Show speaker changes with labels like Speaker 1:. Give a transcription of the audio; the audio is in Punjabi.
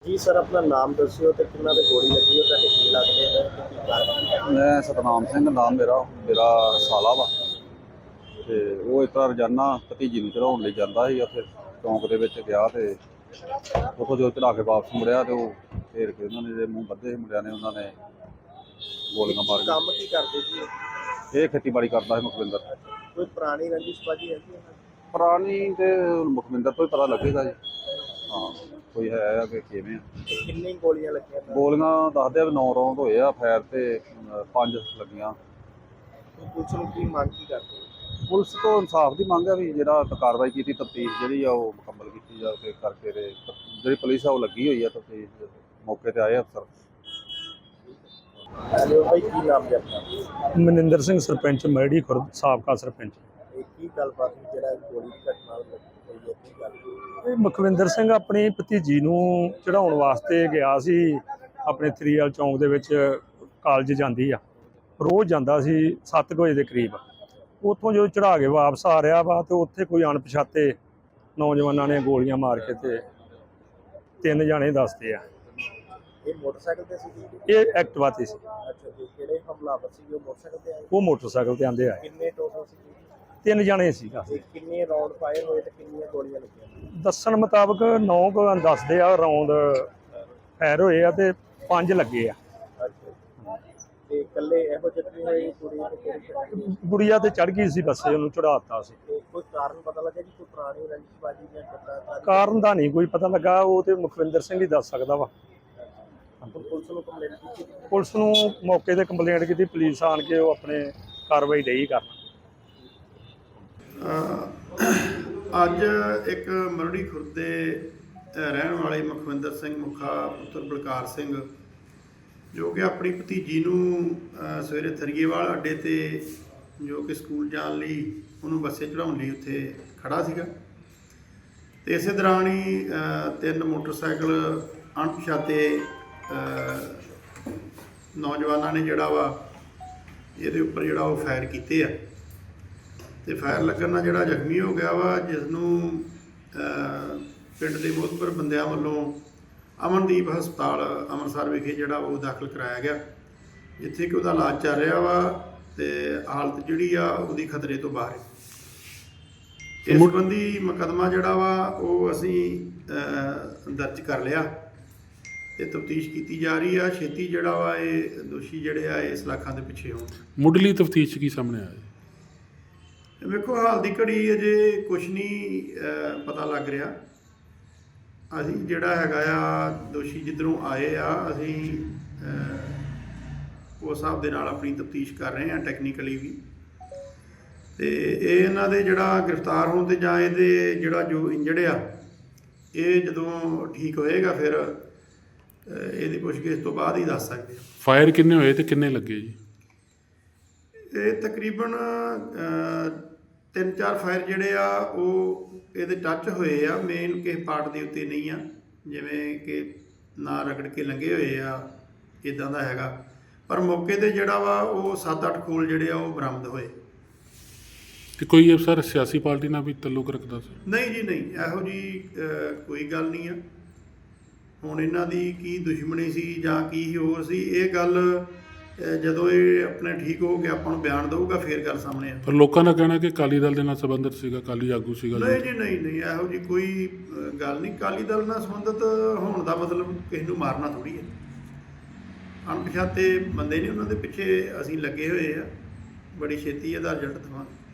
Speaker 1: ਜੀ ਸਰ ਆਪਣਾ ਨਾਮ ਦੱਸਿਓ ਤੇ ਕਿੰਨਾ ਦੇ ਗੋਲੀ ਲੱਗੀ ਹੈ ਤੁਹਾਡੇ ਕੀ ਲੱਗਦੇ ਨੇ ਤੇ ਕੀ ਕਾਰਨ।
Speaker 2: ਮੈਂ ਸਤਨਾਮ ਸਿੰਘ ਨਾਮ ਮੇਰਾ ਸਾਲਾ ਵਾ ਤੇ ਉਹ ਇਸ ਤਰ੍ਹਾਂ ਰੋਜ਼ਾਨਾ ਭਤੀਜੀ ਨੂੰ ਚੜਾਉਣ ਲਈ ਜਾਂਦਾ ਸੀ। ਉੱਥੇ ਚੌਂਕ ਦੇ ਵਿੱਚ ਗਿਆ ਤੇ ਉੱਥੋਂ ਜਦੋਂ ਚੜਾ ਕੇ ਵਾਪਸ ਮੁੜਿਆ ਤੇ ਉਹ ਫੇਰ ਕੇ ਉਹਨਾਂ ਨੇ ਜਿਹੜੇ ਮੂੰਹ ਬੱਧੇ ਸੀ ਮੁੰਡਿਆਂ ਨੇ ਉਹਨਾਂ ਨੇ ਗੋਲੀਆਂ ਮਾਰ
Speaker 1: ਕੰਮ ਕੀ ਕਰਦੇ ਜੀ
Speaker 2: ਕੇ। ਇਹ ਖੇਤੀਬਾੜੀ ਕਰਦਾ ਸੀ ਮੁਖਵਿੰਦਰ।
Speaker 1: ਕੋਈ ਪੁਰਾਣੀ ਰੰਜਿਸ਼ ਬਾਜੀ ਹੈਗੀ ਹੈ?
Speaker 2: ਪੁਰਾਣੀ ਤੇ ਮੁਖਵਿੰਦਰ ਤੋਂ ਹੀ ਪਤਾ ਲੱਗੇਗਾ ਜੀ। ਹਾਂ ਕੋਈ ਹੈ ਆ ਕਿ ਕਿਵੇਂ ਆ।
Speaker 1: ਕਿੰਨੀ ਗੋਲੀਆਂ ਲੱਗੀਆਂ?
Speaker 2: ਗੋਲੀਆਂ ਦੱਸਦੇ ਆ ਵੀ 9 ਰੌਂਦ ਹੋਏ ਆ ਫਾਇਰ ਤੇ 5 ਲੱਗੀਆਂ।
Speaker 1: ਪੁਲਿਸ ਨੂੰ ਕੀ ਮੰਗ ਕੀ ਕਰਦੇ?
Speaker 2: ਪੁਲਿਸ ਤੋਂ ਇਨਸਾਫ ਦੀ ਮੰਗ ਹੈ ਵੀ ਜਿਹੜਾ ਕਾਰਵਾਈ ਕੀਤੀ ਤਫਤੀਸ਼ ਜਿਹੜੀ ਆ ਉਹ ਮੁਕੰਮਲ ਕੀਤੀ ਜਾਵੇ ਕਰਕੇ ਤੇ ਜਿਹੜੀ ਪੁਲਿਸ ਆ ਉਹ ਲੱਗੀ ਹੋਈ ਆ ਤਫਤੀਸ਼ ਮੌਕੇ ਤੇ ਆਏ ਅਫਸਰ।
Speaker 1: ਹੈਲੋ ਭਾਈ ਕੀ ਨਾਮ ਹੈ ਆਪਣਾ?
Speaker 3: ਮਨਿੰਦਰ ਸਿੰਘ ਸਰਪੰਚ ਮੈੜੀ ਖੁਰਦ ਸਾਬਕਾ ਸਰਪੰਚ।
Speaker 1: ਇਹ ਕੀ ਗੱਲਬਾਤ ਹੋਈ ਜਿਹੜਾ ਗੋਲੀ ਦੀ ਘਟਨਾ ਹੋਈ ਹੈ ਕੀ ਗੱਲ?
Speaker 3: ਇਹ ਮੁਖਵਿੰਦਰ ਸਿੰਘ ਆਪਣੀ ਭਤੀਜੀ ਨੂੰ ਚੜਾਉਣ ਵਾਸਤੇ ਗਿਆ ਸੀ ਆਪਣੇ ਥਰੀਵਾਲ ਚੌਂਕ ਦੇ ਵਿੱਚ। ਕਾਲਜ ਜਾਂਦੀ ਆ, ਰੋਜ਼ ਜਾਂਦਾ ਸੀ 7 ਵਜੇ ਦੇ ਕਰੀਬ। ਉੱਥੋਂ ਜਦੋਂ ਚੜਾ ਕੇ ਵਾਪਸ ਆ ਰਿਹਾ ਵਾ ਤੇ ਉੱਥੇ ਕੋਈ ਅਣਪਛਾਤੇ ਨੌਜਵਾਨਾਂ ਨੇ ਗੋਲੀਆਂ ਮਾਰ ਕੇ ਤੇ 3 ਜਾਣੇ ਦੱਸਦੇ ਆ।
Speaker 1: ਇਹ ਮੋਟਰਸਾਈਕਲ ਤੇ ਸੀ?
Speaker 3: ਇਹ ਐਕਟਿਵਾ ਤੇ ਸੀ।
Speaker 1: ਅੱਛਾ ਜੀ, ਕਿਹੜੇ ਹਮਲਾਵਰ ਸੀ ਉਹ ਮੋਟਰਸਾਈਕਲ ਤੇ ਆਏ?
Speaker 3: ਉਹ ਮੋਟਰਸਾਈਕਲ ਤੇ ਆਂਦੇ ਆਏ।
Speaker 1: ਕਿੰਨੇ ਟੋਟਲ ਸੀ?
Speaker 3: 3 ਜਾਣੇ ਸੀ।
Speaker 1: ਤੇ ਕਿੰਨੇ ਰਾਉਂਡ ਫਾਇਰ ਹੋਏ ਤੇ ਕਿੰਨੀਆਂ ਗੋਲੀਆਂ ਲੱਗੀਆਂ?
Speaker 3: ਦੱਸਣ ਮੁਤਾਬਕ 9 ਕੁ ਦੱਸਦੇ ਆ ਰੌਂਦ ਫਾਇਰ ਹੋਏ ਆ ਤੇ 5 ਲੱਗੇ ਆ।
Speaker 1: ਅੱਛਾ ਤੇ ਇਕੱਲੇ ਇਹੋ ਜਿਹੇ ਹੋਏ ਕੁੜੀ ਤੇ ਕਿਹੜੀ?
Speaker 3: ਗੁੜੀਆ ਤੇ ਚੜ ਗਈ ਸੀ ਬੱਸੇ, ਉਹਨੂੰ ਚੜਾਤਾ ਸੀ।
Speaker 1: ਤੇ ਕੋਈ ਕਾਰਨ ਪਤਾ ਲੱਗਾ ਜੀ? ਕੋਈ ਪੁਰਾਣੀ ਰੰਜਿਸ਼ਬਾਜੀ ਜਾਂ ਕਿੱਦਾਂ?
Speaker 3: ਕਾਰਨ ਦਾ ਨਹੀਂ ਕੋਈ ਪਤਾ ਲੱਗਾ, ਉਹ ਤੇ ਮੁਖਵਿੰਦਰ ਸਿੰਘ ਹੀ ਦੱਸ ਸਕਦਾ ਵਾ।
Speaker 1: ਪੁਲਿਸ ਨੂੰ ਕੰਪਲੇਂਟ ਕੀਤੀ?
Speaker 3: ਪੁਲਿਸ ਨੂੰ ਮੌਕੇ ਤੇ ਕੰਪਲੇਂਟ ਕੀਤੀ, ਪੁਲਿਸ ਆਣ ਕੇ ਉਹ ਆਪਣੇ ਕਾਰਵਾਈ ਡਈ ਕਰਨ।
Speaker 4: ਅੱਜ ਇੱਕ ਮਰੜੀ ਖੁਰਦ ਦੇ ਰਹਿਣ ਵਾਲੇ ਮੁਖਵਿੰਦਰ ਸਿੰਘ ਮੁਖਾ ਪੁੱਤਰ ਬਲਕਾਰ ਸਿੰਘ, ਜੋ ਕਿ ਆਪਣੀ ਭਤੀਜੀ ਨੂੰ ਸਵੇਰੇ ਥਰੀਏਵਾਲ ਅੱਡੇ ਤੇ ਜੋ ਕਿ ਸਕੂਲ ਜਾਣ ਲਈ ਉਹਨੂੰ ਬੱਸੇ ਚੜਾਉਣ ਲਈ ਉੱਥੇ ਖੜਾ ਸੀਗਾ ਤੇ ਇਸੇ ਦੌਰਾਨ ਹੀ 3 ਮੋਟਰਸਾਈਕਲ ਅਣਪਛਾਤੇ ਨੌਜਵਾਨਾਂ ਨੇ ਜਿਹੜਾ ਵਾ ਇਹਦੇ ਉੱਪਰ ਜਿਹੜਾ ਉਹ ਫਾਇਰ ਕੀਤੇ ਆ ਤੇ ਫਾਇਰ ਲੱਗਣ ਨਾਲ ਜਿਹੜਾ ਜ਼ਖਮੀ ਹੋ ਗਿਆ ਵਾ, ਜਿਸ ਨੂੰ ਪਿੰਡ ਦੇ ਮੋਹਤਬਰ ਬੰਦਿਆਂ ਵੱਲੋਂ ਅਮਨਦੀਪ ਹਸਪਤਾਲ ਅੰਮ੍ਰਿਤਸਰ ਵਿਖੇ ਜਿਹੜਾ ਉਹ ਦਾਖਲ ਕਰਾਇਆ ਗਿਆ, ਜਿੱਥੇ ਕਿ ਉਹਦਾ ਇਲਾਜ ਚੱਲ ਰਿਹਾ ਵਾ ਤੇ ਹਾਲਤ ਜਿਹੜੀ ਆ ਉਹਦੀ ਖਤਰੇ ਤੋਂ ਬਾਹਰ ਹੈ। ਇਸ ਸੰਬੰਧੀ ਮੁਕੱਦਮਾ ਜਿਹੜਾ ਵਾ ਉਹ ਅਸੀਂ ਦਰਜ ਕਰ ਲਿਆ ਤੇ ਤਫਤੀਸ਼ ਕੀਤੀ ਜਾ ਰਹੀ ਆ। ਛੇਤੀ ਜਿਹੜਾ ਵਾ ਇਹ ਦੋਸ਼ੀ ਜਿਹੜੇ ਆ ਇਸ ਲਾਖਾਂ ਦੇ ਪਿੱਛੇ ਹੋਣ।
Speaker 5: ਮੁੱਢਲੀ ਤਫਤੀਸ਼ ਕੀ ਸਾਹਮਣੇ ਆਇਆ?
Speaker 4: ਵੇਖੋ ਹਾਲ ਦੀ ਘੜੀ ਅਜੇ ਕੁਛ ਨਹੀਂ ਪਤਾ ਲੱਗ ਰਿਹਾ। ਅਸੀਂ ਜਿਹੜਾ ਹੈਗਾ ਆ ਦੋਸ਼ੀ ਜਿੱਧਰੋਂ ਆਏ ਆ, ਅਸੀਂ ਉਸ ਹਿਸਾਬ ਦੇ ਨਾਲ ਆਪਣੀ ਤਫਤੀਸ਼ ਕਰ ਰਹੇ ਹਾਂ ਟੈਕਨੀਕਲੀ ਵੀ। ਤੇ ਇਹ ਇਹਨਾਂ ਦੇ ਜਿਹੜਾ ਗ੍ਰਿਫਤਾਰ ਹੋਣ ਤੇ ਜਾਂ ਇਹਦੇ ਜਿਹੜਾ ਜੋ ਇੰਜਰਡ ਆ ਇਹ ਜਦੋਂ ਠੀਕ ਹੋਏਗਾ ਫਿਰ ਇਹਦੀ ਪੁੱਛਗਿੱਛ ਤੋਂ ਬਾਅਦ ਹੀ ਦੱਸ ਸਕਦੇ ਹਾਂ।
Speaker 5: ਫਾਇਰ ਕਿੰਨੇ ਹੋਏ ਤੇ ਕਿੰਨੇ ਲੱਗੇ ਜੀ?
Speaker 4: ਇਹ ਤਕਰੀਬਨ 3-4 ਫਾਇਰ ਜਿਹੜੇ ਆ ਉਹ ਇਹਦੇ ਟੱਚ ਹੋਏ ਆ, ਮੇਨ ਕਿਸੇ ਪਾਰਟ ਦੇ ਉੱਤੇ ਨਹੀਂ ਆ, ਜਿਵੇਂ ਕਿ ਨਾ ਰਗੜ ਕੇ ਲੰਘੇ ਹੋਏ ਆ ਇੱਦਾਂ ਦਾ ਹੈਗਾ। ਪਰ ਮੌਕੇ ਤੇ ਜਿਹੜਾ ਵਾ ਉਹ 7-8 ਖੋਲ ਜਿਹੜੇ ਆ ਉਹ ਬਰਾਮਦ ਹੋਏ।
Speaker 5: ਤੇ ਕੋਈ ਅਫਸਰ ਸਿਆਸੀ ਪਾਰਟੀ ਨਾਲ ਵੀ ਤਾਲੁਕ ਰੱਖਦਾ ਸੀ?
Speaker 4: ਨਹੀਂ ਜੀ ਨਹੀਂ, ਇਹੋ ਜੀ ਕੋਈ ਗੱਲ ਨਹੀਂ ਆ। ਹੁਣ ਇਹਨਾਂ ਦੀ ਕੀ ਦੁਸ਼ਮਣੀ ਸੀ ਜਾਂ ਕੀ ਹੋਰ ਸੀ, ਇਹ ਗੱਲ ਜਦੋਂ ਇਹ ਆਪਣੇ ਠੀਕ ਹੋ ਕੇ ਆਪਾਂ ਨੂੰ ਬਿਆਨ ਦਊਗਾ ਫਿਰ ਗੱਲ ਸਾਹਮਣੇ ਆ।
Speaker 5: ਪਰ ਲੋਕਾਂ ਦਾ ਕਹਿਣਾ ਕਿ ਅਕਾਲੀ ਦਲ ਦੇ ਨਾਲ ਸੰਬੰਧਿਤ ਸੀਗਾ, ਅਕਾਲੀ ਆਗੂ ਸੀਗਾ।
Speaker 4: ਨਹੀਂ ਜੀ ਨਹੀਂ, ਇਹੋ ਜੀ ਕੋਈ ਗੱਲ ਨਹੀਂ। ਅਕਾਲੀ ਦਲ ਨਾਲ ਸੰਬੰਧਿਤ ਹੋਣ ਦਾ ਮਤਲਬ ਕਿਸੇ ਨੂੰ ਮਾਰਨਾ ਥੋੜ੍ਹੀ ਹੈ। ਅਣਪਛਾਤੇ ਬੰਦੇ ਨੇ, ਉਹਨਾਂ ਦੇ ਪਿੱਛੇ ਅਸੀਂ ਲੱਗੇ ਹੋਏ ਆ, ਬੜੀ ਛੇਤੀ ਇਹਦਾ ਰਿਜ਼ਲਟ ਦੇਵਾਂਗੇ।